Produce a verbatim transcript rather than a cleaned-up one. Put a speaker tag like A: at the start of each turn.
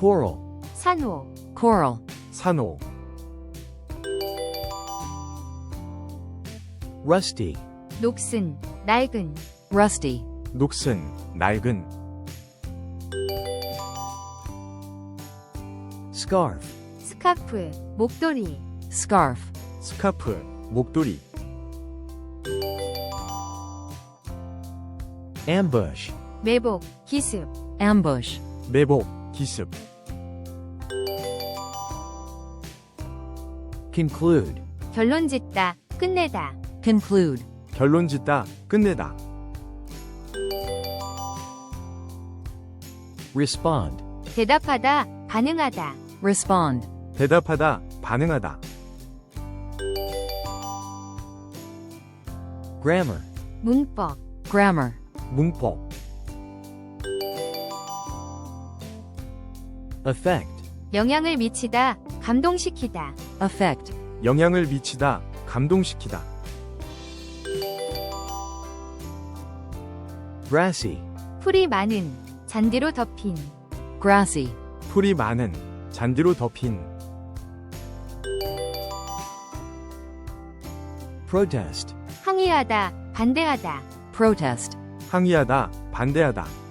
A: coral,
B: 산호,
C: coral,
D: 산호,
A: rusty,
B: 녹슨, 낡은,
C: rusty,
D: 녹슨, 낡은,
A: scarf,
B: 스카프, 목도리,
C: scarf,
D: 스카프, 목도리,
A: ambush,
B: 매복, 기습,
C: ambush,
D: 매복, 기습,
A: conclude,
B: 결론짓다, 끝내다,
C: conclude,
D: 결론 짓다, 끝내다,
A: respond,
B: 대답하다, 반응하다,
C: respond,
D: 대답하다, 반응하다,
A: grammar,
B: 문법,
C: grammar,
D: 문법,
A: effect,
B: 영향을 미치다, 감동시키다,
C: affect,
D: 영향을 미치다, 감동시키다,
A: grassy,
B: 풀이 많은, 잔디로 덮인,
C: grassy,
D: 풀이 많은, 잔디로 덮인,
A: protest,
B: 항의하다, 반대하다,
C: protest,
D: 항의하다, 반대하다,